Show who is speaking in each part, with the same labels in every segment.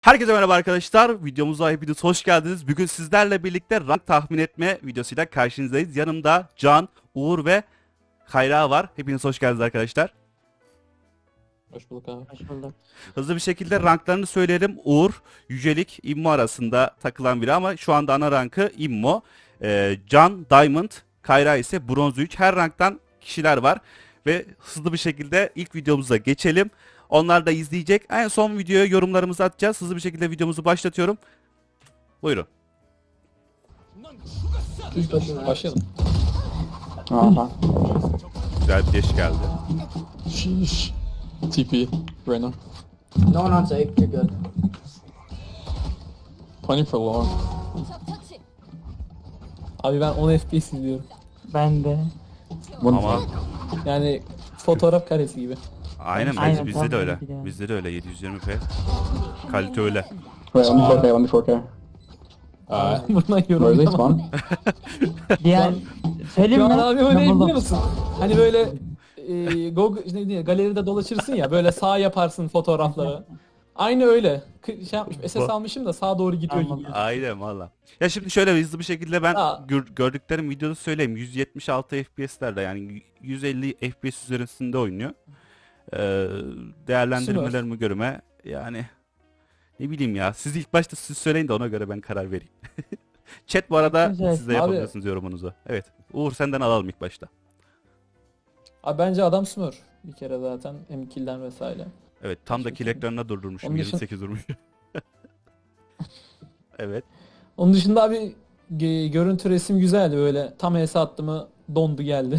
Speaker 1: Herkese merhaba arkadaşlar. Videomuza hepiniz hoş geldiniz. Bugün sizlerle birlikte rank tahmin etme videosuyla karşınızdayız. Yanımda Can, Uğur ve Kayra var. Hepiniz hoş geldiniz arkadaşlar.
Speaker 2: Hoş bulduk abi.
Speaker 3: Hoş bulduk.
Speaker 1: Hızlı bir şekilde ranklarını söyleyelim. Uğur, Yücelik, İmmo arasında takılan biri ama şu anda ana rankı İmmo. Can, Diamond, Kayra ise Bronz 3. Her ranktan kişiler var. Ve hızlı bir şekilde ilk videomuza geçelim. Onlar da izleyecek. En son videoya yorumlarımızı atacağız. Hızlı bir şekilde videomuzu başlatıyorum. Buyurun.
Speaker 2: Başlayalım.
Speaker 3: Aha.
Speaker 1: Güzel bir geç geldi.
Speaker 2: Şiş. TP. Reyna.
Speaker 3: No one on safe. You're good.
Speaker 2: Pony for long.
Speaker 4: Abi ben 10 FPS izliyorum.
Speaker 3: Ben de.
Speaker 1: Ama
Speaker 4: Yani fotoğraf karesi gibi.
Speaker 1: aynen,
Speaker 3: Aynen,
Speaker 1: bizde de öyle.
Speaker 3: tahmin ediyorum.
Speaker 1: Bizde de öyle 720p. Kalite öyle.
Speaker 5: Wait, let me 4K, let me 4K.
Speaker 4: Buna
Speaker 5: Where are they
Speaker 4: yorum
Speaker 5: spawn?
Speaker 3: Diğer söyleyeyim
Speaker 4: Şu
Speaker 3: mi?
Speaker 4: an abi öyle
Speaker 3: Ben buldum.
Speaker 4: biliyor musun? Hani böyle Google, işte ne diyeyim, galeride dolaşırsın ya, böyle sağ yaparsın fotoğrafları. Aynı öyle. Şey yapmışım, SS almışım da sağa doğru gidiyor gibi.
Speaker 3: Anladım.
Speaker 1: Aynen valla. Ya şimdi şöyle hızlı bir şekilde ben
Speaker 4: Aa.
Speaker 1: gördüklerim videoda söyleyeyim. 176 FPS'lerde yani 150 FPS üzerinde oynuyor. Değerlendirmelerime göreme yani ne bileyim ya. Siz ilk başta siz söyleyin de ona göre ben karar vereyim. Chat bu arada
Speaker 3: Güzel.
Speaker 1: siz de
Speaker 4: Abi-
Speaker 1: yapabilirsiniz yorumunuzu. Evet. Uğur senden alalım ilk başta.
Speaker 4: Abi bence adam smurf bir kere zaten, hem kill'den vesaire.
Speaker 1: Evet, tam da kill ekranına durdurmuşum.
Speaker 4: Onun dışında-
Speaker 1: 28 durmuş. Evet.
Speaker 4: Onun dışında abi görüntü, resim güzeldi, böyle tam HS attı mı dondu geldi.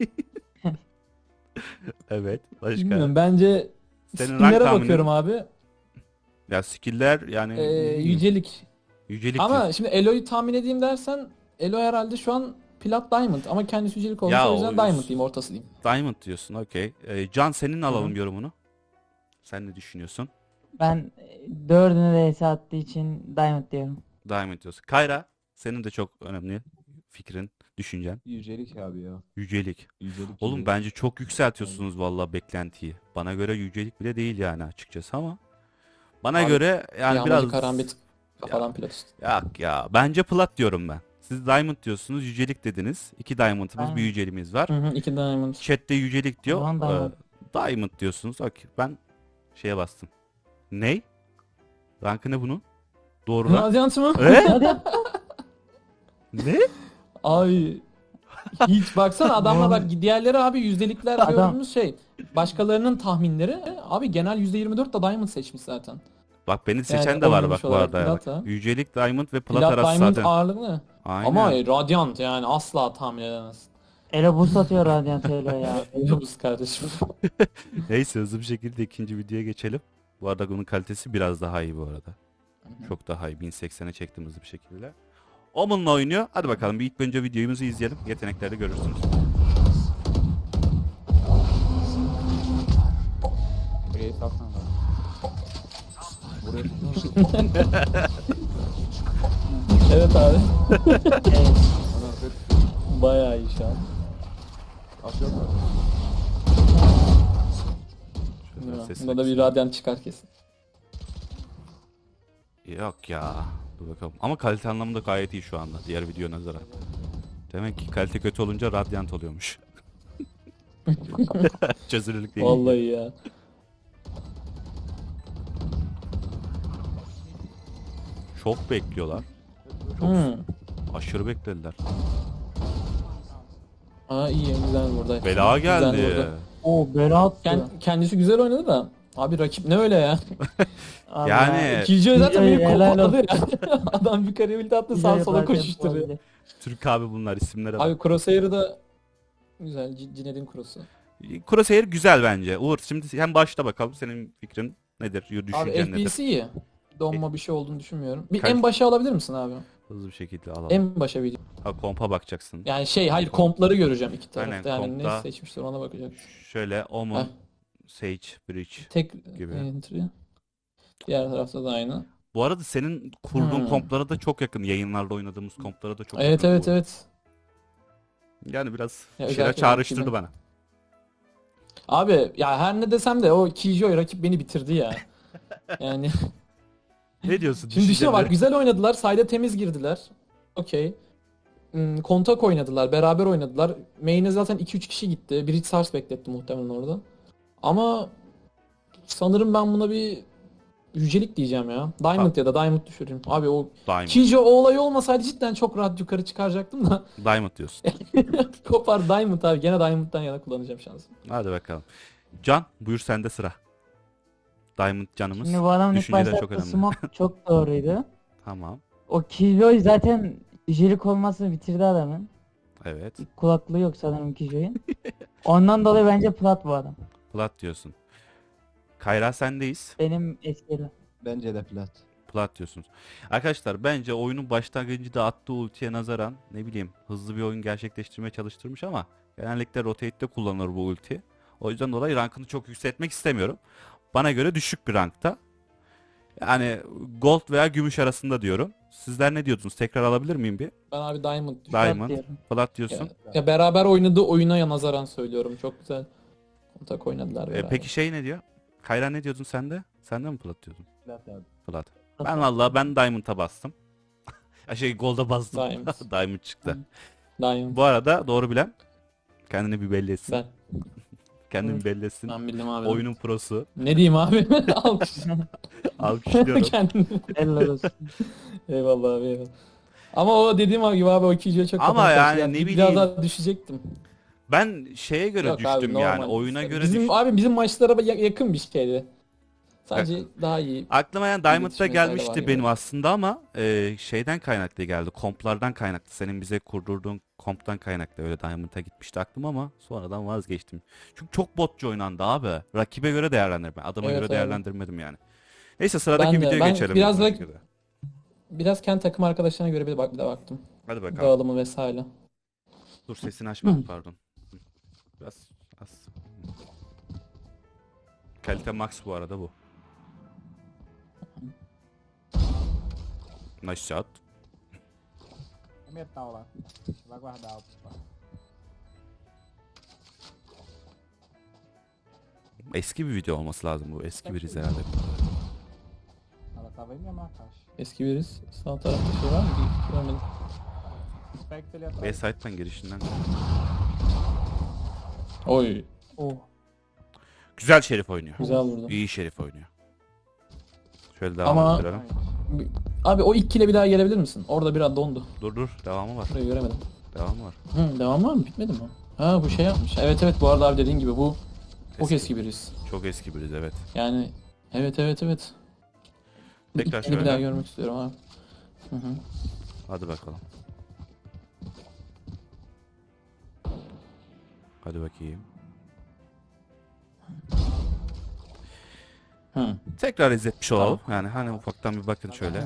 Speaker 1: Evet. Başka.
Speaker 4: Bilmiyorum, bence
Speaker 1: Senin rank
Speaker 4: skill'lere
Speaker 1: tahminin?
Speaker 4: bakıyorum abi.
Speaker 1: Ya skill'ler yani
Speaker 4: Yücelik.
Speaker 1: yücelik.
Speaker 4: Ama şimdi Elo'yu tahmin edeyim dersen, Elo herhalde şu an Plat Diamond ama kendisi yücelik olmuş,
Speaker 1: Ya
Speaker 4: o yüzden
Speaker 1: o-
Speaker 4: Diamond diyeyim, ortası diyeyim.
Speaker 1: Diamond diyorsun, okey. Can senin alalım yorumunu. Sen ne düşünüyorsun?
Speaker 3: Ben dördünü de HS attığı için Diamond diyorum.
Speaker 1: Diamond diyorsun. Kayra, senin de çok önemli fikrin, düşüncen.
Speaker 6: Yücelik abi ya.
Speaker 1: Yücelik.
Speaker 6: Yücelik.
Speaker 1: Oğlum
Speaker 6: yücelik.
Speaker 1: bence çok yükseltiyorsunuz vallahi beklentiyi. Bana göre yücelik bile değil yani açıkçası ama. Bana
Speaker 4: Abi,
Speaker 1: göre yani
Speaker 4: Yağmacı
Speaker 1: biraz...
Speaker 4: karambit kafadan Plat üstü.
Speaker 1: Yok ya, bence plat diyorum ben. Siz Diamond diyorsunuz, yücelik dediniz. 2 Diamond'ımız,
Speaker 3: Aynen.
Speaker 1: bir yüceliğimiz var.
Speaker 4: Hı hı, 2 Diamond.
Speaker 1: Chat'te yücelik diyor.
Speaker 3: O zaman Diamond.
Speaker 1: Diamond diyorsunuz. Okey. Ben şeye bastım. Ney? Rankı ne bunun? Doğru rank.
Speaker 4: Radyant mı?
Speaker 1: Ee? Ne?
Speaker 4: Abi hiç baksana adamlar, bak diğerleri abi yüzdelikler
Speaker 3: Adam-
Speaker 4: gördüğümüz şey. Başkalarının tahminleri abi genel %24 da Diamond seçmiş zaten.
Speaker 1: Bak beni seçen
Speaker 4: Yani
Speaker 1: de var
Speaker 4: oynamış
Speaker 1: bak bu
Speaker 4: olarak
Speaker 1: arada ya.
Speaker 4: plat
Speaker 1: Bak.
Speaker 4: ha.
Speaker 1: Yücelik, Diamond ve plat
Speaker 4: Plat
Speaker 1: arası
Speaker 4: Diamond
Speaker 1: zaten.
Speaker 4: ağırlıklı.
Speaker 1: Aynen.
Speaker 4: Ama Radiant yani asla tahmin edemez.
Speaker 3: Elo boost atıyor Radiant Elo ya.
Speaker 4: Yavuz kardeşim.
Speaker 1: Neyse, hızlı bir şekilde ikinci videoya geçelim. Bu arada bunun kalitesi biraz daha iyi bu arada. Çok daha iyi. 1080'e çektim hızlı bir şekilde. Omen'la oynuyor. Hadi bakalım bir ilk önce videomuzu izleyelim. Yeteneklerde görürsünüz.
Speaker 6: Buraya kalksana lan. Buraya
Speaker 4: Evet abi.
Speaker 3: Evet.
Speaker 4: Bayağı iyi şu an.
Speaker 6: aşağı kalk.
Speaker 1: Şöyle sesini
Speaker 4: Bunda da bir Radiant çıkar kesin.
Speaker 1: Yok ya. Dur bakalım. Ama kalite anlamında gayet iyi şu anda. Diğer video nazaran. Demek ki kalite kötü olunca Radiant oluyormuş. Çözünürlük değil.
Speaker 4: Vallahi ya.
Speaker 1: Çok bekliyorlar. Çok
Speaker 4: Hmm.
Speaker 1: aşırı beklediler.
Speaker 4: Aa iyi, güzel burada.
Speaker 1: Bela
Speaker 4: Güzel
Speaker 1: geldi.
Speaker 4: vurdu.
Speaker 3: Oo bela attı.
Speaker 4: Kendisi güzel oynadı da. Abi rakip ne öyle ya?
Speaker 3: Allah.
Speaker 1: Yani
Speaker 4: İkinci zaten beni
Speaker 3: Helal
Speaker 4: kopaladı ya. Adam yukarıya ulti attı, sağa
Speaker 3: Güzel
Speaker 4: sola
Speaker 3: yaparken
Speaker 4: koşuşturuyor.
Speaker 3: olabilir.
Speaker 1: Türk abi bunlar, isimlere bak.
Speaker 4: Abi Crosshair'ı da güzel. Cinedin Cross'u.
Speaker 1: Crosshair güzel bence. Uğur şimdi hem başta bakalım, senin fikrin nedir?
Speaker 4: Abi
Speaker 1: Düşüncen nedir?
Speaker 4: FPS iyi. Donma bir şey olduğunu düşünmüyorum. Bir
Speaker 1: Kaç-
Speaker 4: en başa alabilir misin abi?
Speaker 1: Hızlı bir şekilde alalım.
Speaker 4: En başa bir.
Speaker 1: Ha, kompa bakacaksın.
Speaker 4: Yani hayır, kompları göreceğim iki tarafta.
Speaker 1: Aynen,
Speaker 4: Yani
Speaker 1: kompta-
Speaker 4: ne seçmişler ona bakacak.
Speaker 1: Şöyle Omen,
Speaker 4: Heh.
Speaker 1: Sage, Bridge.
Speaker 4: Tek
Speaker 1: Gibi.
Speaker 4: entry. Diğer tarafta da aynı.
Speaker 1: Bu arada senin kurduğun
Speaker 4: Hmm.
Speaker 1: komplara da çok yakın. Yayınlarda oynadığımız komplara da çok
Speaker 4: Evet
Speaker 1: yakın.
Speaker 4: evet
Speaker 1: bu.
Speaker 4: evet.
Speaker 1: Yani biraz
Speaker 4: Ya
Speaker 1: bir şeyler
Speaker 4: özellikle
Speaker 1: çağrıştırdı
Speaker 4: rakibin-
Speaker 1: bana.
Speaker 4: Abi ya her ne desem de o Killjoy rakip beni bitirdi ya. Yani
Speaker 1: Ne diyorsun?
Speaker 4: Şimdi düşünsene bak
Speaker 1: Düşünceleri?
Speaker 4: güzel oynadılar. Sayda temiz girdiler. Okey. Kontak oynadılar. Beraber oynadılar. Main'e zaten 2-3 kişi gitti. Bridge Sars bekletti muhtemelen orada. Ama sanırım ben buna bir yücelik diyeceğim ya. Diamond ya da Diamond düşüreyim. Abi o
Speaker 1: Diamond.
Speaker 4: Kijo o olay olmasaydı cidden çok rahat yukarı çıkaracaktım da.
Speaker 1: Diamond diyorsun.
Speaker 4: Kopar Diamond abi. Gene Diamond'dan yana kullanacağım şansımı.
Speaker 1: Hadi bakalım. Can buyur sende sıra. Diamond canımız.
Speaker 3: Şimdi bu adamın ilk
Speaker 1: Düşünceler çok
Speaker 3: başta
Speaker 1: önemli.
Speaker 3: smoke çok doğruydu.
Speaker 1: Tamam.
Speaker 3: O Killjoy zaten yücelik olmasını bitirdi adamın.
Speaker 1: Evet.
Speaker 3: Kulaklığı yok sanırım Killjoy'un. Ondan dolayı bence plat bu adam.
Speaker 1: Plat diyorsun. Kayra sendeyiz.
Speaker 3: Benim eskileri.
Speaker 6: Bence de plat.
Speaker 1: Plat diyorsunuz. Arkadaşlar bence oyunun başlangıcında attığı ultiye nazaran ne bileyim hızlı bir oyun gerçekleştirmeye çalıştırmış ama genellikle rotate'de kullanılır bu ulti. O yüzden dolayı rankını çok yükseltmek istemiyorum. Bana göre düşük bir rankta. Yani gold veya gümüş arasında diyorum. Sizler ne diyordunuz? Tekrar alabilir miyim bir?
Speaker 4: Ben abi Diamond düşürdüm.
Speaker 1: Diamond.
Speaker 3: diyorum.
Speaker 1: Plat diyorsun.
Speaker 4: Ya beraber oynadığı oyuna nazaran söylüyorum. Çok güzel kontak oynadılar beraber.
Speaker 1: Peki şey ne diyor? Kayra ne diyordun sen de? Sen de mi plat diyordun?
Speaker 6: Plat abi.
Speaker 1: Plat. Ben Diamond'a bastım. Gold'a bastım.
Speaker 4: Diamond.
Speaker 1: Diamond çıktı.
Speaker 4: Diamond.
Speaker 1: Bu arada doğru bilen kendini bir belli etsin.
Speaker 4: Ben.
Speaker 1: Kendini bir belli etsin.
Speaker 4: Ben bildim abi.
Speaker 1: Oyunun prosu.
Speaker 4: Ne diyeyim abi? Alkış.
Speaker 1: Alkışlıyorum.
Speaker 4: Kendini.
Speaker 3: Helal olsun.
Speaker 4: Eyvallah abi eyvallah. Ama o dediğim gibi abi o ikinciye çok
Speaker 1: Ama
Speaker 4: kafam
Speaker 1: yani
Speaker 4: karıştı.
Speaker 1: ne
Speaker 4: Biraz
Speaker 1: bileyim.
Speaker 4: daha düşecektim.
Speaker 1: Ben şeye göre
Speaker 4: Yok abi,
Speaker 1: düştüm yani.
Speaker 4: normal.
Speaker 1: Oyuna göre
Speaker 4: bizim,
Speaker 1: düştüm.
Speaker 4: Abi bizim maçlara yakın bir şeydi. Sadece daha iyi.
Speaker 1: Aklıma yani Diamond'da
Speaker 4: İletişime fayda var
Speaker 1: gelmişti
Speaker 4: gibi.
Speaker 1: benim aslında ama şeyden kaynaklı geldi. Komplardan kaynaklı. Senin bize kurdurduğun komptan kaynaklı öyle Diamond'a gitmişti aklım ama sonradan vazgeçtim. Çünkü çok botçu oynandı abi. Rakibe göre değerlendirme. Adama
Speaker 4: Evet,
Speaker 1: göre
Speaker 4: evet.
Speaker 1: değerlendirmedim yani. Neyse sıradaki
Speaker 4: Ben de.
Speaker 1: videoya
Speaker 4: Ben
Speaker 1: geçelim.
Speaker 4: biraz
Speaker 1: bu
Speaker 4: da-
Speaker 1: şekilde.
Speaker 4: Biraz kendi takım arkadaşlarına göre bir de baktım.
Speaker 1: Hadi bakalım.
Speaker 4: Dağılımı vesaire.
Speaker 1: Dur sesini açmadım pardon. Biraz az. Kalite max bu arada bu. Nice shot.
Speaker 6: Metal lá. Vai guardar o plat.
Speaker 1: Eski bir video olması lazım bu. Eski biriz herhalde.
Speaker 6: Ela tava aí mesmo na caixa.
Speaker 4: Eski biriz. Sağ tarafta şey var mı? Görmedim.
Speaker 6: Spectre ali atrás.
Speaker 1: B-Side'den girişinden.
Speaker 4: Oy.
Speaker 3: Oh.
Speaker 1: Güzel Şerif oynuyor.
Speaker 4: Güzel vurdu.
Speaker 1: İyi Şerif oynuyor. Şöyle devam
Speaker 4: Ama-
Speaker 1: ettirelim.
Speaker 4: Abi o ilk kile bir daha gelebilir misin? Orada biraz dondu.
Speaker 1: Dur devamı var.
Speaker 4: Burayı göremedim.
Speaker 1: Devamı var.
Speaker 4: Devam var mı? Bitmedi mi? Ha bu şey yapmış. Evet bu arada abi dediğin gibi bu çok eski biriz.
Speaker 1: Çok eski biriz evet.
Speaker 4: Yani evet.
Speaker 1: Tekrar
Speaker 4: İlk kili bir daha
Speaker 1: şöyle.
Speaker 4: görmek istiyorum abi. Hı hı.
Speaker 1: Hadi bakalım. Hadi bakayım.
Speaker 4: Hı.
Speaker 1: Tekrar izletmiş olalım. Yani hani ufaktan bir bakın şöyle.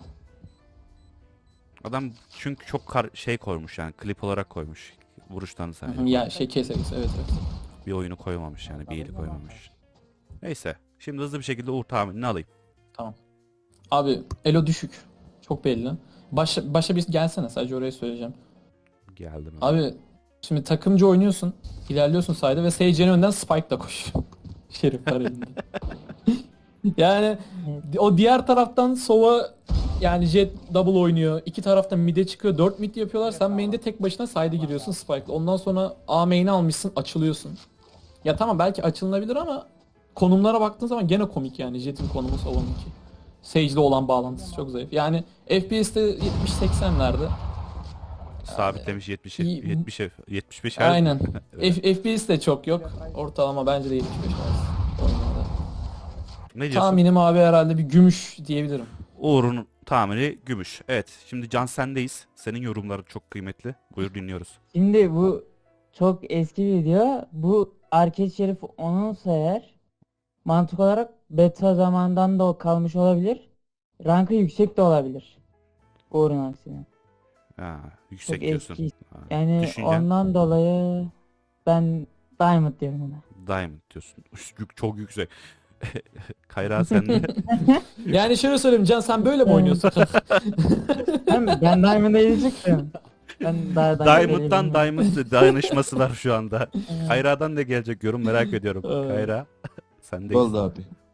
Speaker 1: Adam çünkü çok şey koymuş yani klip olarak koymuş. Vuruşlarını
Speaker 4: Hı
Speaker 1: sadece.
Speaker 4: hı. Ya şey keseriz evet.
Speaker 1: Bir oyunu koymamış yani bir eli koymamış. Neyse. Şimdi hızlı bir şekilde Uğur tahminini alayım.
Speaker 4: Abi elo düşük. Çok belli. Başa bir gelsene sadece orayı söyleyeceğim.
Speaker 1: Geldim.
Speaker 4: Abi şimdi takımcı oynuyorsun. İlerliyorsun sayda ve Sage'in önden Spike'la koşuyor. Şerif var elinde. Yani o diğer taraftan Sova yani Jet double oynuyor. İki taraftan mid'e çıkıyor. 4 mid yapıyorlar. Sen main'de tek başına side'e giriyorsun Spike'la. Ondan sonra A main'i almışsın açılıyorsun. Ya tamam belki açılınabilir ama konumlara baktığın zaman gene komik yani. Jet'in konumu Sova'nınki. Sage'le olan bağlantısı çok zayıf. Yani FPS'te 70-80'lerde.
Speaker 1: Sabitlemiş 70
Speaker 4: iyi-
Speaker 1: 70 75
Speaker 4: Aynen.
Speaker 1: Evet.
Speaker 4: FPS de çok yok. Ortalama bence de 75 arası oyunlarda.
Speaker 1: Ne diyorsun?
Speaker 4: Tahminim abi herhalde bir gümüş diyebilirim.
Speaker 1: Uğur'un tahmini gümüş. Evet. Şimdi Can sendeyiz. Senin yorumların çok kıymetli. Buyur dinliyoruz.
Speaker 3: Şimdi bu çok eski bir video. Bu Arcade Şerif onunsa eğer mantık olarak beta zamandan da o kalmış olabilir. Rankı yüksek de olabilir. Uğur'un aksine.
Speaker 1: Ha, yüksek
Speaker 3: Çok
Speaker 1: diyorsun.
Speaker 3: eski.
Speaker 1: Ha,
Speaker 3: Yani
Speaker 1: düşüncen
Speaker 3: ondan dolayı ben Diamond diyorum ona.
Speaker 1: Diamond diyorsun. Çok yüksek. Kayra sende.
Speaker 4: Yani şöyle söyleyeyim Can sen böyle mi oynuyorsun?
Speaker 3: Ben Diamond'a yiyecektim. Ben daha
Speaker 1: Diamond'dan Diamond dayanışması var şu anda.
Speaker 3: Evet.
Speaker 1: Kayra'dan ne gelecek yorum merak ediyorum.
Speaker 4: Evet.
Speaker 1: Kayra sendeyiz.
Speaker 6: Gold abi.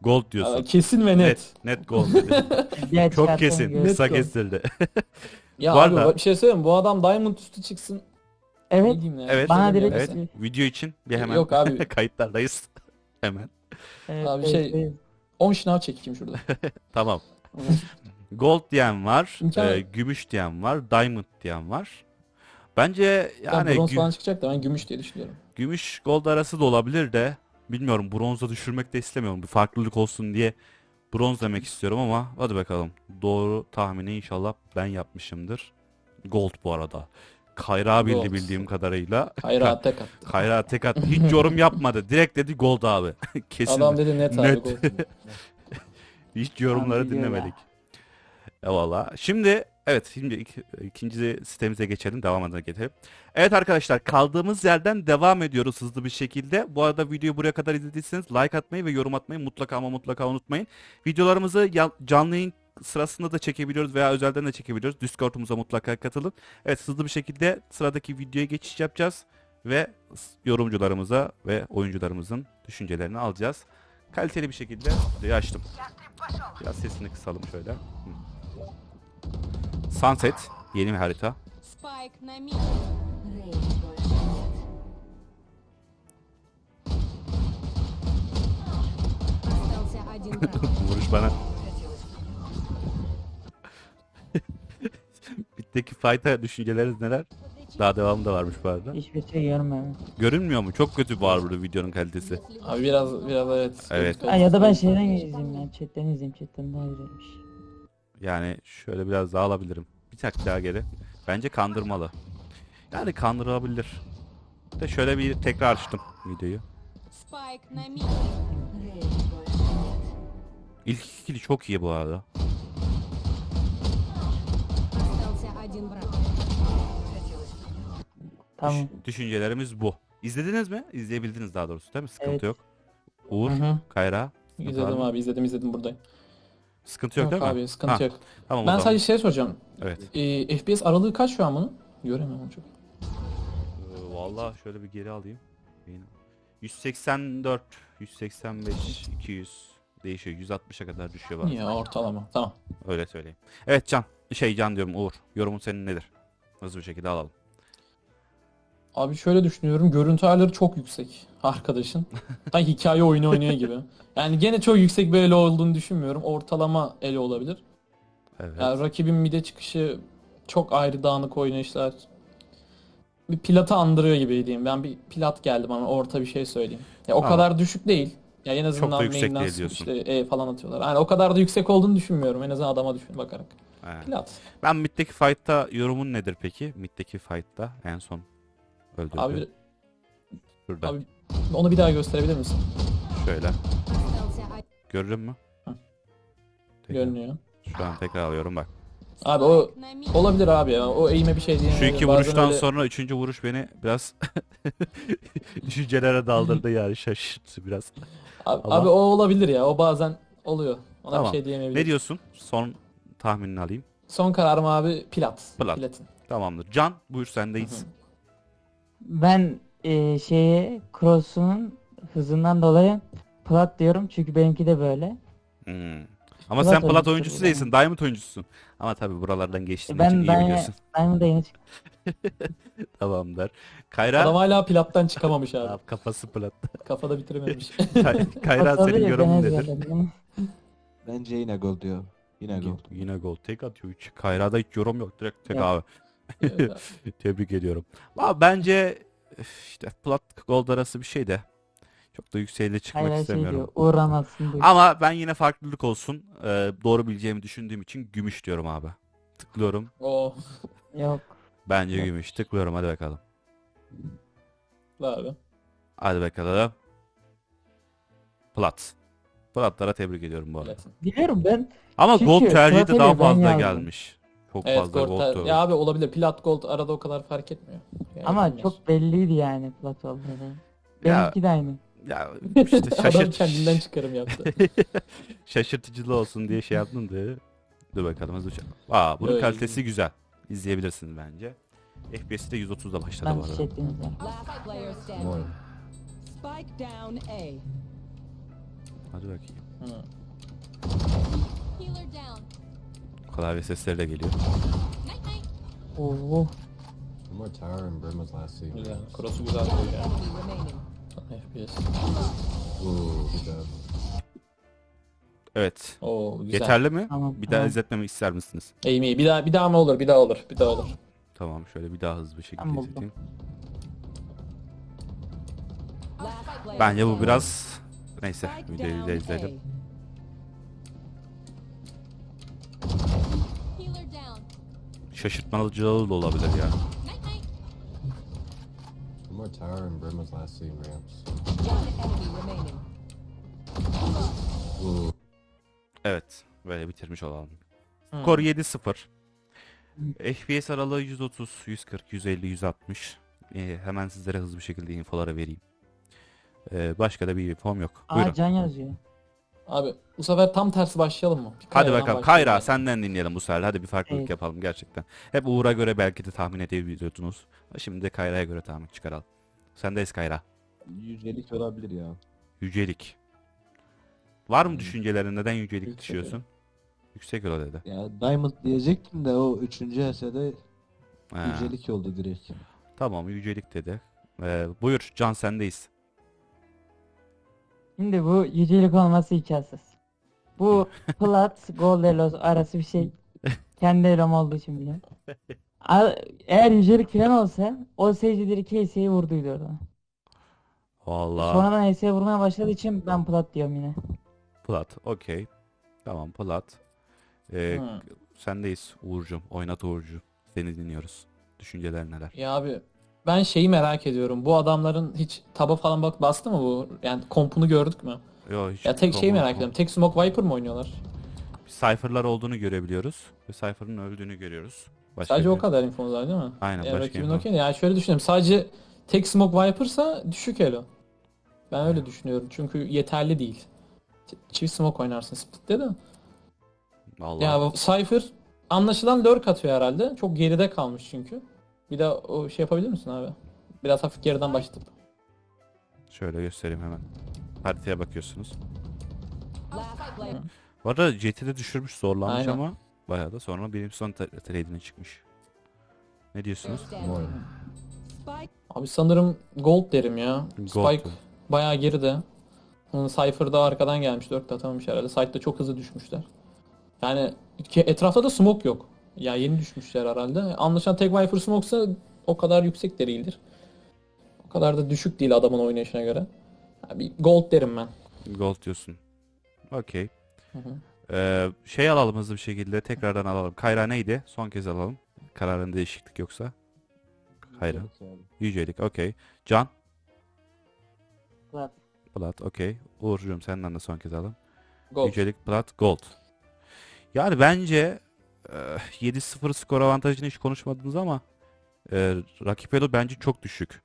Speaker 1: Gold
Speaker 4: Aa,
Speaker 1: diyorsun.
Speaker 4: kesin ve net.
Speaker 1: Net gold dedi.
Speaker 3: Diğer
Speaker 1: Çok
Speaker 3: çıkartan
Speaker 1: kesin.
Speaker 3: göz-
Speaker 1: Kısa
Speaker 4: gold.
Speaker 1: kesildi.
Speaker 4: Ya
Speaker 1: Bu
Speaker 4: abi
Speaker 1: arada-
Speaker 4: bir şey söyleyeyim mi? Bu adam Diamond üstü çıksın. Ne
Speaker 3: Evet.
Speaker 4: diyeyim ya?
Speaker 1: Evet.
Speaker 3: Bana
Speaker 4: Söyleyeyim
Speaker 3: direkt-
Speaker 4: ya.
Speaker 1: Evet. Video için bir hemen
Speaker 4: Yok abi.
Speaker 1: kayıtlardayız. Hemen.
Speaker 3: Evet,
Speaker 4: Abi
Speaker 3: evet,
Speaker 4: şey-
Speaker 3: evet.
Speaker 4: 10 şınav çekeyim şurada.
Speaker 1: Tamam. Gold diyen var.
Speaker 4: İmkan-
Speaker 1: Gümüş diyen var. Diamond diyen var. Bence
Speaker 4: Yani
Speaker 1: yani
Speaker 4: bronz falan çıkacak da ben gümüş diye düşünüyorum.
Speaker 1: gümüş gold arası da olabilir de bilmiyorum, bronza düşürmek de istemiyorum. Bir farklılık olsun diye bronz demek istiyorum ama hadi bakalım. Doğru tahmini inşallah ben yapmışımdır. Gold bu arada. Kayra bildi
Speaker 4: Gold.
Speaker 1: bildiğim kadarıyla.
Speaker 4: Hayra tek attı.
Speaker 1: Kayra tek attı. Hiç yorum yapmadı. Direkt dedi gold abi. Kesin.
Speaker 4: Adam dedi net abi
Speaker 1: Net.
Speaker 4: gold.
Speaker 1: Hiç yorumları
Speaker 3: biliyor ya.
Speaker 1: dinlemedik. Eyvallah. Şimdi evet, şimdi ikinci sitemize geçelim. Devam edelim. Evet arkadaşlar, kaldığımız yerden devam ediyoruz hızlı bir şekilde. Bu arada videoyu buraya kadar izlediyseniz like atmayı ve yorum atmayı mutlaka ama mutlaka unutmayın. Videolarımızı canlı yayın sırasında da çekebiliyoruz veya özelden de çekebiliyoruz. Discord'umuza mutlaka katılın. Evet, hızlı bir şekilde sıradaki videoya geçiş yapacağız ve yorumcularımıza ve oyuncularımızın düşüncelerini alacağız. Kaliteli bir şekilde videoyu açtım. Biraz sesini kısalım şöyle. Sunset yeni bir harita.
Speaker 7: Спайк на мид. Остался один враг.
Speaker 1: Vuruş bana. Bitteki fight'a düşünceleriniz neler? Daha devamı da varmış bu arada.
Speaker 3: Hiçbir şey görmüyorum.
Speaker 1: Görünmüyor mu? Çok kötü bu arada videonun kalitesi.
Speaker 4: Abi biraz evet.
Speaker 1: Evet.
Speaker 3: Ha, ya da ben şeyden izleyeyim ya. Chatten izleyeyim. Chatten daha güzelmiş.
Speaker 1: Yani şöyle biraz daha alabilirim. Bir tak daha geri. Bence kandırmalı. Yani kandırabilir. De şöyle bir tekrar açtım videoyu.
Speaker 7: Спайк на мид.
Speaker 1: İlk ikili çok iyi bu arada.
Speaker 7: Остался один враг.
Speaker 3: Tamam.
Speaker 1: Düşüncelerimiz bu. İzlediniz mi? İzleyebildiniz daha doğrusu değil mi? Sıkıntı
Speaker 3: Evet.
Speaker 1: yok. Uğur,
Speaker 4: Hı hı.
Speaker 1: Kayra. sıkıntı var
Speaker 4: İzledim
Speaker 1: mı?
Speaker 4: abi izledim buradayım.
Speaker 1: Sıkıntı yok,
Speaker 4: Yok
Speaker 1: değil mi?
Speaker 4: abi sıkıntı
Speaker 1: Ha,
Speaker 4: yok.
Speaker 1: Tamam o
Speaker 4: Ben
Speaker 1: zaman.
Speaker 4: sadece şey soracağım.
Speaker 1: Evet.
Speaker 4: FPS aralığı kaç şu an bunun? Göremiyorum çok.
Speaker 1: Vallahi şöyle bir geri alayım. 184, 185, 200 değişiyor. 160'a kadar düşüyor bazen.
Speaker 4: Ya ortalama. Tamam.
Speaker 1: Öyle söyleyeyim. Evet Can diyorum, Uğur. Yorumun senin nedir? Hızlı bir şekilde alalım.
Speaker 4: Abi şöyle düşünüyorum. Görüntü ayarları çok yüksek arkadaşın. Sanki hikaye oyunu oynuyor gibi. Yani gene çok yüksek bir elo olduğunu düşünmüyorum. Ortalama elo olabilir.
Speaker 1: Evet.
Speaker 4: Yani rakibin mide çıkışı çok ayrı dağınık oynayışlar. Bir Plat'ı andırıyor gibi diyeyim. Ben bir Plat geldi bana orta bir şey söyleyeyim. Ya o
Speaker 1: Tamam.
Speaker 4: kadar düşük değil. Ya en
Speaker 1: da
Speaker 4: azından
Speaker 1: yüksek
Speaker 4: main'den
Speaker 1: değil diyorsun.
Speaker 4: switch'le falan atıyorlar. Yani o kadar da yüksek olduğunu düşünmüyorum. En azından adama düşün bakarak.
Speaker 1: Evet.
Speaker 4: Plat.
Speaker 1: Ben Mid'deki fight'ta yorumun nedir peki? Mid'deki fight'ta en son öldürdü.
Speaker 4: Abi,
Speaker 1: Şurada.
Speaker 4: abi onu bir daha gösterebilir misin?
Speaker 1: Şöyle.
Speaker 7: Остался один.
Speaker 1: Görürüm mü?
Speaker 4: Hı.
Speaker 1: Tekrar.
Speaker 4: Görünüyor.
Speaker 1: Şu an tekrar alıyorum bak.
Speaker 4: Abi o
Speaker 7: На мид.
Speaker 4: olabilir abi ya. O eğime bir şey
Speaker 1: Şu
Speaker 4: diyemeyiz.
Speaker 1: iki
Speaker 4: Bazen
Speaker 1: vuruştan
Speaker 4: öyle-
Speaker 1: sonra üçüncü vuruş beni biraz düşüncelere daldırdı, yani şaşırttı biraz.
Speaker 4: Abi,
Speaker 1: Ama-
Speaker 4: abi o olabilir ya. O bazen oluyor. Ona
Speaker 1: Tamam.
Speaker 4: bir şey diyemeyebilirim.
Speaker 1: Ne diyorsun? Son tahminini alayım.
Speaker 4: Son kararım abi Plat.
Speaker 1: Plat.
Speaker 4: Platin.
Speaker 1: Tamamdır. Can buyur, sendeyiz.
Speaker 4: Hı hı.
Speaker 3: Ben Cross'un hızından dolayı plat diyorum. Çünkü benimki de böyle.
Speaker 1: Hmm. Ama
Speaker 3: Plat
Speaker 1: sen plat
Speaker 3: oyuncusu
Speaker 1: oyuncusu
Speaker 3: bu
Speaker 1: değilsin. Diamond oyuncusun. Ama tabii buralardan geçtiğin
Speaker 3: Ben
Speaker 1: için iyi
Speaker 3: Diamond-
Speaker 1: biliyorsun.
Speaker 3: Diamond'a yeni çıktım.
Speaker 1: Tamamdır. Kayra
Speaker 4: Adam hala Plat'tan çıkamamış abi.
Speaker 1: Abi, kafası plat.
Speaker 4: Kafada bitirememiş.
Speaker 1: Kayra
Speaker 3: Tabii,
Speaker 1: senin
Speaker 3: ben
Speaker 1: yorumun nedir?
Speaker 3: ezberledim.
Speaker 6: Bence yine gol diyor. Yine gol.
Speaker 1: Yine gol. Tek atıyor. Hiç. Kayra'da hiç yorum yok. Direkt tek
Speaker 3: Yok.
Speaker 1: abi. Tebrik ediyorum. Ama bence işte plat gold arası bir şey de çok da yükseğe de çıkmak
Speaker 3: Hala şey
Speaker 1: istemiyorum.
Speaker 3: diyor. Uğramazsın diyor.
Speaker 1: Ama ben yine farklılık olsun. Doğru bileceğimi düşündüğüm için gümüş diyorum abi. Tıklıyorum.
Speaker 4: O
Speaker 3: Yok.
Speaker 1: Bence
Speaker 4: Yok.
Speaker 1: gümüş. Tıklıyorum, hadi bakalım.
Speaker 4: abi.
Speaker 1: Hadi bakalım. Plat. Platlara tebrik ediyorum bu arada.
Speaker 4: Platin.
Speaker 3: Biliyorum ben.
Speaker 1: Ama
Speaker 3: Çünkü
Speaker 1: gold tercihi de
Speaker 3: Plat'a
Speaker 1: daha
Speaker 3: bile ben
Speaker 1: fazla
Speaker 3: yazdım.
Speaker 1: gelmiş. Çok
Speaker 4: Evet
Speaker 1: fazla
Speaker 4: gold.
Speaker 1: gold.
Speaker 4: Ya abi olabilir. Plat gold arada o kadar fark etmiyor. Yani
Speaker 3: Ama
Speaker 4: bilmiyorsun.
Speaker 3: çok belliydi yani plat olduğunu.
Speaker 1: Ya,
Speaker 3: Benimki de aynı.
Speaker 1: ya işte
Speaker 4: Adam kendinden çıkarım yaptı.
Speaker 1: şaşırtıcı olsun diye şey yaptım da. Dur bakalım hızlı uçalım. Bunun
Speaker 4: Öyle.
Speaker 1: kalitesi güzel. İzleyebilirsiniz bence. FPS'i de 130'da başladı
Speaker 3: Ben
Speaker 1: bu arada.
Speaker 3: çiçekliyim ya.
Speaker 7: Last player standing. Spike down A.
Speaker 1: Hadi bakayım.
Speaker 7: Healer down.
Speaker 1: Klavye sesleri de geliyor.
Speaker 7: Night night.
Speaker 3: Oo.
Speaker 8: One more tower and Brim was last seen.
Speaker 4: Güzel. Cross'u güzel koyuyor ya.
Speaker 7: Enemy remaining.
Speaker 4: FPS.
Speaker 8: Ooh, good job.
Speaker 1: Evet.
Speaker 4: Oo güzel.
Speaker 1: Yeterli mi?
Speaker 3: Tamam,
Speaker 1: Bir daha
Speaker 3: tamam.
Speaker 1: izletmemi ister misiniz?
Speaker 4: İyi. Bir daha mı olur? Bir daha olur. Bir daha olur.
Speaker 1: Tamam, şöyle bir daha hızlı bir şekilde
Speaker 3: Tamam,
Speaker 1: izleteyim.
Speaker 7: Last player
Speaker 1: Bence bu
Speaker 7: standing.
Speaker 1: biraz neyse,
Speaker 7: Spike
Speaker 1: videoyu
Speaker 7: down
Speaker 1: da izleyelim.
Speaker 7: A. Healer down.
Speaker 1: Şaşırtmalıcı da olabilir ya.
Speaker 7: Night night.
Speaker 8: One more tower and Brim was last seen ramps.
Speaker 7: One enemy remaining.
Speaker 8: Ooh.
Speaker 1: Evet, böyle bitirmiş olalım.
Speaker 4: Hmm.
Speaker 1: Skor 7-0. FPS aralığı 130, 140, 150, 160. Hemen sizlere hızlı bir şekilde infoları vereyim. Başka da bir infom yok. Buyurun.
Speaker 3: Aa, can yazıyor.
Speaker 4: Abi bu sefer tam tersi başlayalım mı? Bir
Speaker 1: Hadi
Speaker 4: Kayra'dan
Speaker 1: bakalım.
Speaker 4: başlayalım
Speaker 1: Kayra
Speaker 4: yani.
Speaker 1: senden dinleyelim bu sefer. Hadi bir farklılık
Speaker 3: Evet.
Speaker 1: yapalım gerçekten. Hep Uğur'a göre belki de tahmin edebiliyordunuz. Şimdi de Kayra'ya göre tahmin çıkaralım. Sendeyiz Kayra.
Speaker 6: Yücelik olabilir ya.
Speaker 1: Yücelik. Var mı düşüncelerin? Neden yücelik
Speaker 4: Yüksek
Speaker 1: düşüyorsun? Yüksek elo dedi.
Speaker 6: Ya Diamond diyecektim de o 3. HS'de
Speaker 1: Ha,
Speaker 6: yücelik oldu direkt.
Speaker 1: tamam, yücelik dedi. Buyur Can, sendeyiz.
Speaker 3: Şimdi bu yücelik olması imkansız. Bu plat gold elo arası bir şey. Kendi elom olduğu için biliyorum. Eğer yücelik falan olsa o Sage'dir 2 HS'yi vurduydu orada.
Speaker 1: Vallahi
Speaker 3: Sonradan HS'ye vurmaya başladığı için ben plat diyorum yine.
Speaker 1: plat. Okey. Tamam, plat.
Speaker 4: Hmm.
Speaker 1: Sendeyiz Uğur'cum. Oynat Uğur'cu. Seni dinliyoruz. Düşünceler neler?
Speaker 4: Ya abi ben şeyi merak ediyorum. Bu adamların hiç taba falan bastı mı bu? Yani kompunu gördük mü?
Speaker 1: Yo, hiç
Speaker 4: Ya tek şeyi
Speaker 1: kombo-
Speaker 4: merak ediyorum. Tek Smoke Viper mı oynuyorlar?
Speaker 1: Cypher'lar olduğunu görebiliyoruz. Ve Cypher'ın öldüğünü görüyoruz. Başka
Speaker 4: Sadece
Speaker 1: bir-
Speaker 4: o kadar infomuz var değil mi?
Speaker 1: Aynen,
Speaker 4: Ya
Speaker 1: başka
Speaker 4: rakibin
Speaker 1: info.
Speaker 4: okey. Yani şöyle düşünüyorum. Sadece tek Smoke Viper'sa düşük elo. Ben öyle düşünüyorum. Çünkü yeterli değil. Çift Smoke oynarsın split'te de.
Speaker 1: Vallahi.
Speaker 4: Ya Cypher anlaşılan lurk atıyor herhalde. Çok geride kalmış çünkü. Bir daha o şey yapabilir misin abi? Biraz hafif geriden başlatıp.
Speaker 1: Şöyle göstereyim hemen. Haritaya bakıyorsunuz.
Speaker 7: Last player.
Speaker 1: Bu arada Jet'i de düşürmüş, zorlanmış
Speaker 4: Aynen.
Speaker 1: ama bayağı da sonra benim son trade'ine çıkmış. Ne diyorsunuz?
Speaker 7: Standing. Spike
Speaker 4: Abi sanırım Gold derim ya.
Speaker 1: Gold
Speaker 4: Spike
Speaker 1: diyor.
Speaker 4: bayağı geride. Onun Cypher'da arkadan gelmiş. 4 atamamış herhalde. Side'da çok hızlı düşmüşler. Yani etrafta da smoke yok. Ya yeni düşmüşler herhalde. Anlaşılan tek Viper smoke'sa o kadar yüksek de değildir. O kadar da düşük değil adamın oynayışına göre. Ya bir Gold derim ben.
Speaker 1: Gold diyorsun. Okey.
Speaker 4: Hı hı.
Speaker 1: Şey alalım hızlı bir şekilde. Tekrardan alalım. Kayra neydi? Son kez alalım. Kararında değişiklik yoksa. Kayra.
Speaker 6: Yücelik abi.
Speaker 1: Yücelik. Okey. Can.
Speaker 3: Plat.
Speaker 1: Plat. Okey. Uğur'cum senden de son kez alalım.
Speaker 4: Gold.
Speaker 1: Yücelik, plat, gold. Yani bence 7-0 skor avantajını hiç konuşmadınız ama rakip elo bence çok düşük.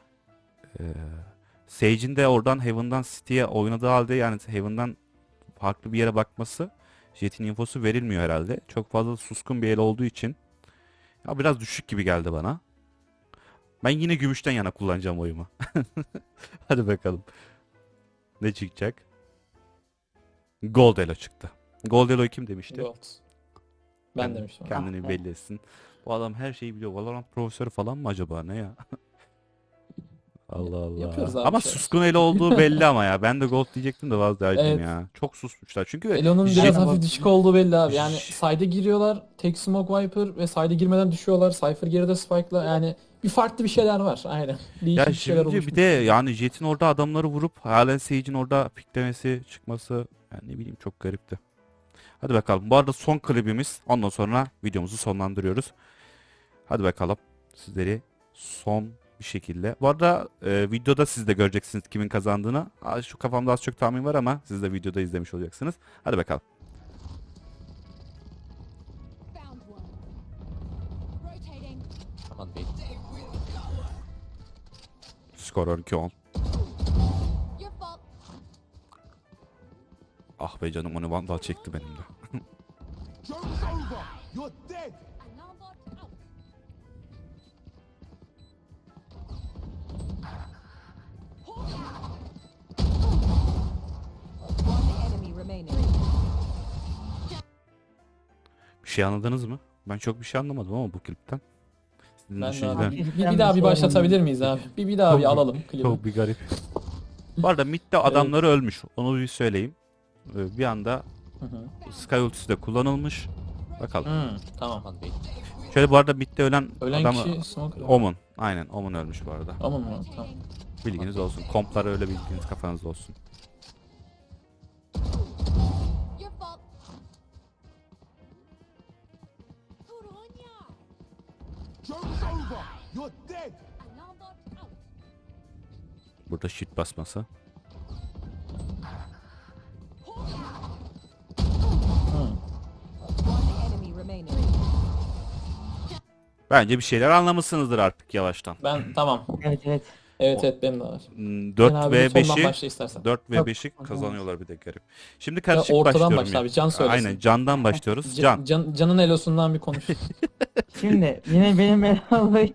Speaker 1: Sage'in de oradan Heaven'dan City'ye oynadığı halde, yani Heaven'dan farklı bir yere bakması, Jet'in infosu verilmiyor herhalde. Çok fazla suskun bir el olduğu için ya biraz düşük gibi geldi bana. Ben yine gümüşten yana kullanacağım oyumu. Hadi bakalım. Ne çıkacak? Gold Elo çıktı. Gold Elo'yu kim demişti?
Speaker 4: Gold. Ben
Speaker 1: Kendi-
Speaker 4: demiştim.
Speaker 1: Kendini
Speaker 3: Ah be.
Speaker 1: belli etsin. Bu adam her şeyi biliyor. Valorant profesörü falan mı acaba, ne ya? Allah Allah.
Speaker 4: Yapıyoruz abi
Speaker 1: Ama
Speaker 4: şeyler.
Speaker 1: suskun Elo olduğu belli ama ya. Ben de Gold diyecektim de vazgeçtim
Speaker 4: Evet.
Speaker 1: ya. Çok susmuşlar. Çünkü
Speaker 4: Elo'nun
Speaker 1: Jet-
Speaker 4: biraz hafif düşük olduğu belli abi. Yani
Speaker 1: J-
Speaker 4: side'e giriyorlar. Tek Smoke Viper ve side'e girmeden düşüyorlar. Cypher geride Spike'la. Yani bir farklı bir şeyler var. Aynen. Değişik
Speaker 1: Ya
Speaker 4: bir şeyler
Speaker 1: şimdi
Speaker 4: olmuş.
Speaker 1: bir de yani Jet'in orada adamları vurup halen Sage'in orada piklemesi, çıkması, yani ne bileyim, çok garipti. Hadi bakalım. Bu arada son klibimiz. Ondan sonra videomuzu sonlandırıyoruz. Hadi bakalım. Sizleri son bir şekilde. Bu arada videoda siz de göreceksiniz kimin kazandığını. Şu kafamda az çok tahmin var ama siz de videoda izlemiş olacaksınız. Hadi bakalım.
Speaker 7: Found one. Rotating.
Speaker 2: Aman bey.
Speaker 1: Skor 12-10.
Speaker 7: Your fault.
Speaker 1: Ah be canım, onu vandal çekti benim de.
Speaker 7: Alarm bot out. One enemy remaining.
Speaker 1: Bir şey anladınız mı? Ben çok bir şey anlamadım ama bu klipten. Sizin
Speaker 4: Ben de
Speaker 1: düşüncelerin-
Speaker 4: abi.
Speaker 3: Ben
Speaker 4: Bir daha
Speaker 3: bir
Speaker 4: bir
Speaker 3: şey
Speaker 4: başlatabilir miyiz abi? Bir daha bir
Speaker 1: Çok-
Speaker 4: alalım klibi.
Speaker 1: Çok bir garip. Bu arada midde adamları ölmüş. Onu bir söyleyeyim. Bir anda
Speaker 4: Hı hı.
Speaker 1: Sky ultisi de kullanılmış. Bakalım.
Speaker 4: Tamam.
Speaker 1: Şöyle bu arada midde ölen
Speaker 4: Ölen
Speaker 1: adam
Speaker 4: kişi Smoke.
Speaker 1: Omun. Aynen Omun ölmüş bu arada.
Speaker 4: Aman mı? Tamam.
Speaker 1: Bilginiz olsun. Komplar öyle bilginiz kafanızda olsun.
Speaker 7: Your fault. Good on ya.
Speaker 9: Joke's over. You're dead.
Speaker 7: Alarm bot out.
Speaker 1: Burada shit basması.
Speaker 7: One enemy remaining.
Speaker 1: Bence bir şeyler anlamışsınızdır artık yavaştan.
Speaker 4: Ben tamam.
Speaker 3: Evet evet.
Speaker 4: Evet benim de var. Sen
Speaker 1: 4
Speaker 4: abi
Speaker 1: ve
Speaker 4: sondan
Speaker 1: 5'i
Speaker 4: başla istersen.
Speaker 1: 4 ve
Speaker 3: Yok,
Speaker 1: 5'i
Speaker 3: o zaman.
Speaker 1: kazanıyorlar bir de garip. Şimdi
Speaker 4: Ya
Speaker 1: karışık
Speaker 4: ortadan
Speaker 1: başlıyorum.
Speaker 4: başla
Speaker 1: ya.
Speaker 4: abi, Can söylesin.
Speaker 1: Aynen Can'dan başlıyoruz. Can.
Speaker 4: Can'ın elosundan bir konuş.
Speaker 3: Şimdi yine benim belalı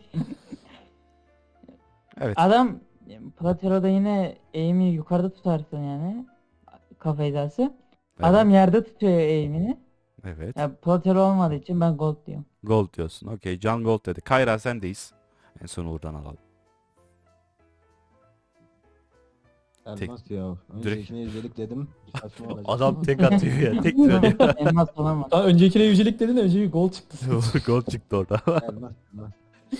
Speaker 1: Evet.
Speaker 3: adam Platero'da yine aim'i yukarıda tutarsın yani kafa hizası. Adam yerde tutuyor aim'ini.
Speaker 1: Evet.
Speaker 3: Ya Platero olmadığı için ben gold diyorum.
Speaker 1: Gold diyorsun. Okey. Can Gold dedi. Kayra sendeyiz. En son Uğur'dan alalım.
Speaker 6: Elmas ya. Öncekine yücelik dedim. Saçma olacak.
Speaker 1: Adam tek atıyor ya. Tek söylüyor.
Speaker 3: Elmas olamaz.
Speaker 4: Daha öncekine yücelik dedin de önceki gol çıktı.
Speaker 1: Gold çıktı orada.
Speaker 6: Elmas. Elmas.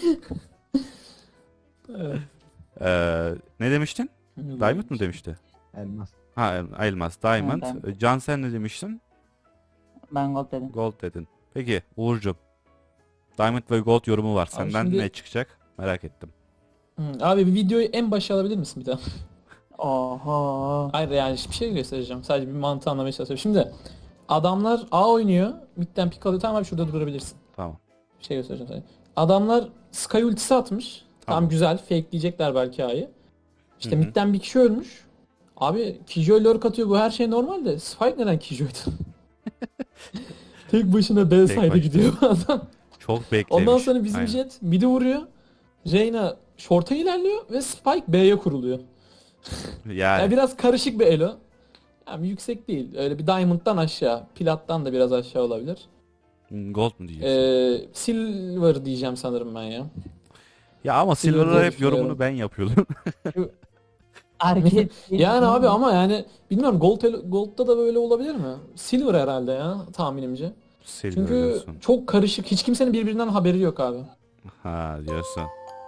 Speaker 4: Evet.
Speaker 1: Ne demiştin? Diamond mı demişti?
Speaker 6: Elmas.
Speaker 1: Ha Elmas. Diamond.
Speaker 3: Ha, Diamond.
Speaker 1: Can sen ne demiştin?
Speaker 3: Ben gold dedim.
Speaker 1: Gold dedin. Peki Uğur'cum. Diamond ve Gold yorumu var. Senden
Speaker 4: şimdi-
Speaker 1: ne çıkacak? Merak ettim.
Speaker 4: Abi bir videoyu en başa alabilir misin bir daha?
Speaker 3: Oho.
Speaker 4: Hayır yani bir şey göstereceğim. Sadece bir mantığı anlamaya çalışıyorum. Şimdi adamlar A oynuyor. Mid'den pick alıyor. Tamam abi şurada durabilirsin.
Speaker 1: Tamam.
Speaker 4: Bir şey göstereceğim sana. Adamlar Sky ultisi atmış.
Speaker 1: Tamam.
Speaker 4: Tam güzel. Fakeleyecekler belki A'yı. İşte
Speaker 1: Hı hı.
Speaker 4: mid'den bir kişi ölmüş. Abi Killjoy lurk atıyor. Bu her şey normal de. Spike neden Killjoy'da? Tek başına B side'e
Speaker 1: başına.
Speaker 4: gidiyor adam.
Speaker 1: Çok beklemiş.
Speaker 4: Ondan sonra bizim
Speaker 1: Aynen.
Speaker 4: Jet mid'i vuruyor. Reyna short'a ilerliyor ve Spike B'ye kuruluyor.
Speaker 1: Yani.
Speaker 4: Yani biraz karışık bir elo. Yani yüksek değil. Öyle bir Diamond'dan aşağı. Plat'tan da biraz aşağı olabilir.
Speaker 1: Gold mu diyeceksin?
Speaker 4: Silver diyeceğim sanırım ben ya.
Speaker 1: Ya ama
Speaker 4: Silver'da
Speaker 1: Silver'lar hep
Speaker 4: düşünüyorum.
Speaker 1: yorumunu ben yapıyordum.
Speaker 3: Hareket.
Speaker 4: Yani abi ama yani bilmiyorum Gold'da da böyle olabilir mi? Silver herhalde ya tahminimce.
Speaker 1: Silver
Speaker 4: Çünkü
Speaker 1: diyorsun.
Speaker 4: çok karışık. Hiç kimsenin birbirinden haberi yok abi.
Speaker 1: Ha diyorsun.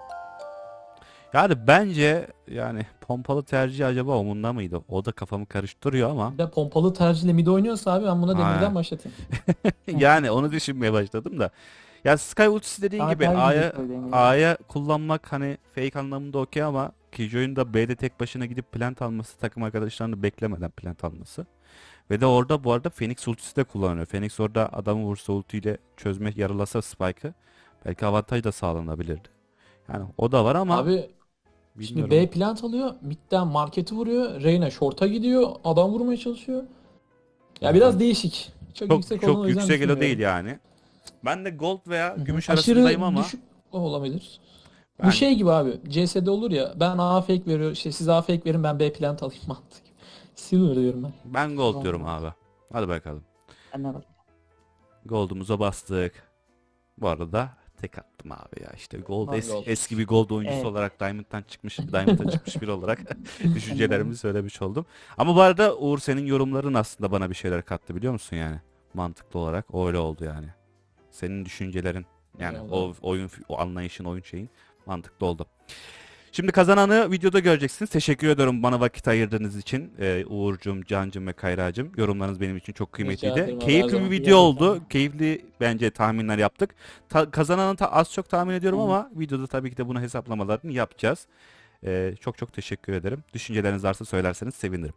Speaker 1: Yani bence yani pompalı tercih acaba Omun'da mıydı? O da kafamı karıştırıyor ama
Speaker 4: Bir de pompalı tercihle mid oynuyorsa abi ben buna
Speaker 1: Aynen.
Speaker 4: demirden başlatayım.
Speaker 1: yani onu düşünmeye başladım da. Ya Sky ultisi dediğin
Speaker 3: Daha
Speaker 1: gibi
Speaker 3: tercih
Speaker 1: A'ya
Speaker 3: ediyor demin.
Speaker 1: A'ya kullanmak hani fake anlamında okey ama Killjoy'un da B'de tek başına gidip plant alması, takım arkadaşlarını beklemeden plant alması. Ve de orada bu arada Phoenix ultisi de kullanıyor. Phoenix orada adamı vursa ultiyle çözmek, yaralasa Spike'ı belki avantaj da sağlanabilirdi. Yani o da var ama
Speaker 4: Abi şimdi
Speaker 1: bilmiyorum.
Speaker 4: B plant alıyor. Mid'den marketi vuruyor. Reyna short'a gidiyor. Adam vurmaya çalışıyor. Ya
Speaker 1: Aha.
Speaker 4: biraz değişik. Çok,
Speaker 1: çok
Speaker 4: yüksek olduğunu
Speaker 1: çok
Speaker 4: o yüzden
Speaker 1: yüksek elo değil
Speaker 4: düşünmüyorum.
Speaker 1: yani. Ben de gold veya
Speaker 4: Hı hı.
Speaker 1: gümüş
Speaker 4: Aşırı
Speaker 1: arasındayım ama
Speaker 4: düşük olabilir.
Speaker 1: Ben-
Speaker 4: Bu şey gibi abi. CS'de olur ya. Ben A fake veriyor. İşte siz A fake verin ben B plant alayım mantık. Silver diyorum ben.
Speaker 1: ben gold diyorum abi. Hadi bakalım.
Speaker 3: Ben de bak.
Speaker 1: Gold'umuza bastık. Bu arada tek attım abi ya işte gold,
Speaker 4: Ben gold.
Speaker 1: eski bir gold oyuncusu
Speaker 3: Evet.
Speaker 1: olarak Diamond'dan çıkmış biri olarak düşüncelerimi söylemiş oldum. Ama bu arada Uğur senin yorumların aslında bana bir şeyler kattı biliyor musun yani? Mantıklı olarak öyle oldu yani. Senin düşüncelerin yani
Speaker 4: Öyle
Speaker 1: o
Speaker 4: oldu.
Speaker 1: oyun o anlayışın, oyun şeyin mantıklı oldu. Şimdi kazananı videoda göreceksiniz. Teşekkür ediyorum bana vakit ayırdığınız için. Uğur'cum, Can'cım ve Kayra'cım. Yorumlarınız benim için çok kıymetliydi.
Speaker 4: ederim abi, her
Speaker 1: Keyifli bir
Speaker 4: zaman.
Speaker 1: video oldu. Keyifli bence tahminler yaptık. Kazananı az çok tahmin ediyorum ama videoda tabii ki de bunu hesaplamalarını yapacağız. Çok çok teşekkür ederim. Düşünceleriniz varsa söylerseniz sevinirim.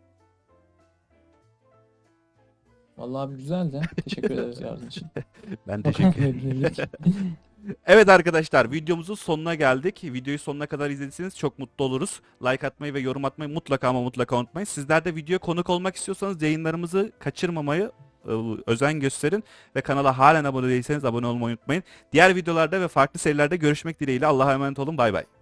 Speaker 4: Vallahi abi güzeldi. Teşekkür ederiz yardım için.
Speaker 1: Ben teşekkür ederim. Evet arkadaşlar videomuzun sonuna geldik. Videoyu sonuna kadar izlediyseniz çok mutlu oluruz. Like atmayı ve yorum atmayı mutlaka ama mutlaka unutmayın. Sizler de videoya konuk olmak istiyorsanız yayınlarımızı kaçırmamayı özen gösterin. Ve kanala halen abone değilseniz abone olmayı unutmayın. Diğer videolarda ve farklı serilerde görüşmek dileğiyle. Allah'a emanet olun. Bay bay.